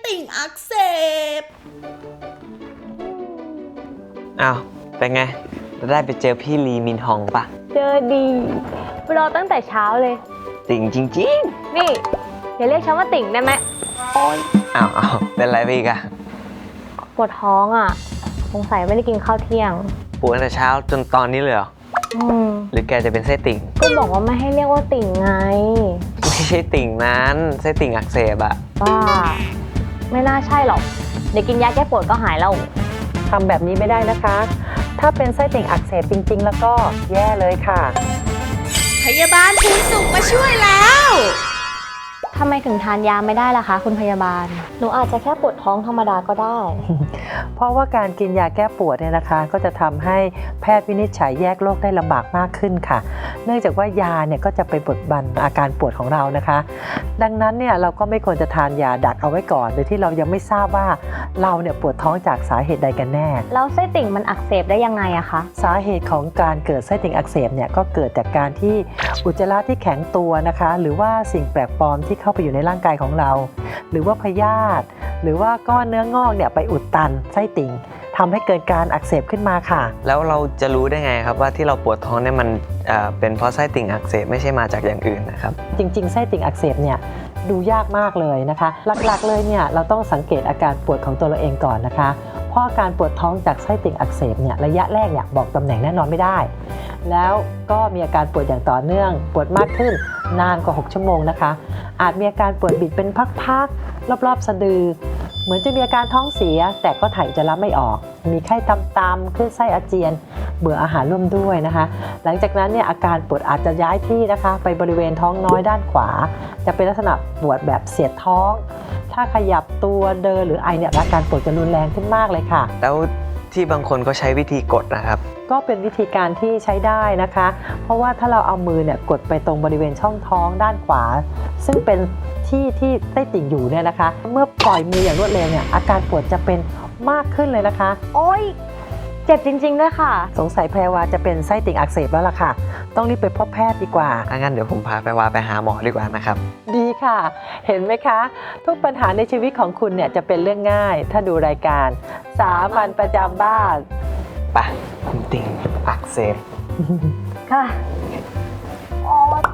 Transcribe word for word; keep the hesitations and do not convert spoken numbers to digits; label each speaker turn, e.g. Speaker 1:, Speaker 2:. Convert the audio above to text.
Speaker 1: ติ่งอักเสบ
Speaker 2: อ้าวเป็นไงได้ไปเจอพี่ลีมินฮองปะ
Speaker 3: เจอดีรอตั้งแต่เช้าเลย
Speaker 2: ติ่งจริง
Speaker 3: นี่อย่าเรียกฉันว่าติ่งได้ไหมโอ๊ย
Speaker 2: ๆอ้าวอ้าวเป็นไรไปอีกอะ
Speaker 3: ปวดท้องอ่ะสงสัยไม่ได้กินข้าวเที่ยง
Speaker 2: ปวดตั้งแต่เช้าจนตอนนี้เลยเหรอ
Speaker 3: อืม
Speaker 2: หรือแกจะเป็นไส้ติ่ง
Speaker 3: ก็บอกว่าไม่ให้เรียกว่าติ่งไง
Speaker 2: ไม่ใช่ติ่งนั้นไส้ติ่งอักเสบอะ
Speaker 3: บ้าไม่น่าใช่หรอกเดี๋ยวกินยาแก้ปวดก็หายแล้ว
Speaker 4: ทำแบบนี้ไม่ได้นะคะ ถ้าเป็นไส้ติ่งอักเสบจริงๆ แล้วก็แย่เลยค่ะ
Speaker 1: พยาบาลภูนสุขมาช่วยแล้ว
Speaker 3: ทำไมถึงทานยาไม่ได้ล่ะคะคุณพยาบาล หนูอาจจะแค่ปวดท้องธรรมดาก็ได้
Speaker 4: เพราะว่าการกินยาแก้ปวดเนี่ยนะคะ ก็จะทำให้แพทย์วินิจฉัยแยกโรคได้ลำบากมากขึ้นค่ะ เนื่องจากว่ายาเนี่ยก็จะไปบดบังอาการปวดของเรานะคะ ดังนั้นเนี่ยเราก็ไม่ควรจะทานยาดักเอาไว้ก่อนโดยที่เรายังไม่ทราบว่าเราเนี่ยปวดท้องจากสาเหตุใดกันแน่
Speaker 3: แล้วไส้ติ่งมันอักเสบได้ยังไงอะคะ
Speaker 4: สาเหตุของการเกิดไส้ติ่งอักเสบเนี่ยก็เกิดจากการที่อุจจาระที่แข็งตัวนะคะ หรือว่าสิ่งแปลกปลอมที่เข้าไปอยู่ในร่างกายของเรา หรือว่าพยาธิหรือว่าก้อนเนื้องอกเนี่ยไปอุดตันไส้ติ่งทำให้เกิดการอักเสบขึ้นมาค่ะ
Speaker 2: แล้วเราจะรู้ได้ไงครับว่าที่เราปวดท้องเนี่ยมันเอ่อเป็นเพราะไส้ติ่งอักเสบไม่ใช่มาจากอย่างอื่นนะครับ
Speaker 4: จริงๆไส้ติ่งอักเสบเนี่ยดูยากมากเลยนะคะ หลักๆเลยเนี่ยเราต้องสังเกตอาการปวดของตัวเราเองก่อนนะคะ เพราะอาการปวดท้องจากไส้ติ่งอักเสบเนี่ยระยะแรกเนี่ยบอกตำแหน่งแน่นอนไม่ได้ แล้วก็มีอาการปวดอย่างต่อเนื่องปวดมากขึ้นนานกว่าหกชั่วโมงนะคะอาจมีอาการปวดบิดเป็นพักๆรอบๆสะดือเหมือนจะมีอาการท้องเสียแต่ก็ถ่ายอุจจาระไม่ออกมีไข้ตามๆขึ้นไส้อาเจียนเบื่ออาหารร่วมด้วยนะคะหลังจากนั้นเนี่ยอาการปวดอาจจะย้ายที่นะคะไปบริเวณท้องน้อยด้านขวาจะเป็นลักษณะปวดแบบเสียดท้องถ้าขยับตัวเดินหรือไอเนี่ยอาการปวดจะรุนแรงขึ้นมากเลยค่ะ
Speaker 2: แล้วที่บางคนก็ใช้วิธีกดนะครับ
Speaker 4: ก็เป็นวิธีการที่ใช้ได้นะคะ เพราะว่าถ้าเราเอามือเนี่ยกดไปตรงบริเวณช่องท้องด้านขวา ซึ่งเป็นที่ที่ไส้ติ่งอยู่เนี่ยนะคะ เมื่อปล่อยมืออย่างรวดเร็วเนี่ยอาการปวดจะเป็นมากขึ้นเลยนะคะ
Speaker 3: โอ๊ยเจ็บจริงๆด้วยค่ะ
Speaker 4: สงสัยแพรวาจะเป็นไส้ติ่งอักเสบแล้วล่ะค่ะ ต้องรีบไปพบแพทย์ดีกว่า
Speaker 2: ถ้างั้นเดี๋ยวผมพาไปวาไปหาหมอดีกว่านะครับ
Speaker 4: ดีค่ะ เห็นไหมคะ ทุกปัญหาในชีวิตของคุณเนี่ยจะเป็นเรื่องง่าย ถ้าดูรายการสามัญประจำบ้าน
Speaker 2: ไปคุณติ่งอักเสบ
Speaker 3: ค่ะ โอ๊ย